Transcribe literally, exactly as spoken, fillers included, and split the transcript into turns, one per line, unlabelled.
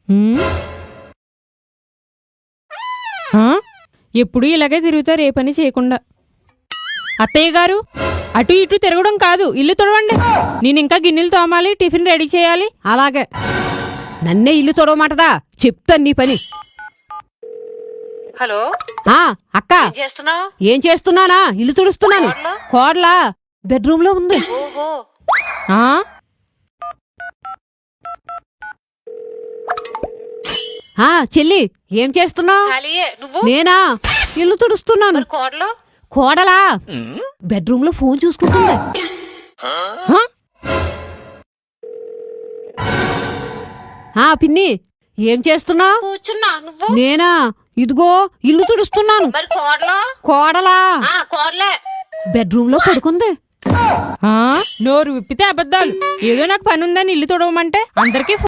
ఎప్పుడు ఇలాగే తిరుగుతారు ఏ పని చేయకుండా. అత్తయ్య గారు, అటు ఇటు తిరగడం కాదు, ఇల్లు తొడవండి. నేను ఇంకా గిన్నెలు తోమాలి, టిఫిన్ రెడీ చేయాలి.
అలాగే. నన్నే ఇల్లు తొడవమాటదా? చెప్తాను నీ పని.
హలో
అక్క, ఏం చేస్తున్నానా? ఇల్లు తుడుస్తున్నాను. కోడలా బెడ్రూమ్ లో ఉంది. చెల్లి, ఏం చేస్తున్నావు? నేనా ఇల్లు తుడుస్తున్నాను. కోడలా బెడ్రూమ్ లో ఫోన్ చూసుకుంటుంది. పిన్ని, ఏం చేస్తున్నావు? నేనా ఇదిగో ఇల్లు తుడుస్తున్నాను. కోడలా బెడ్రూమ్ లో పడుకుంది.
నోరు విప్పితే అబద్ధాలు. ఏదో నాకు పని ఉందని ఇల్లు తుడవమంటే అందరికీ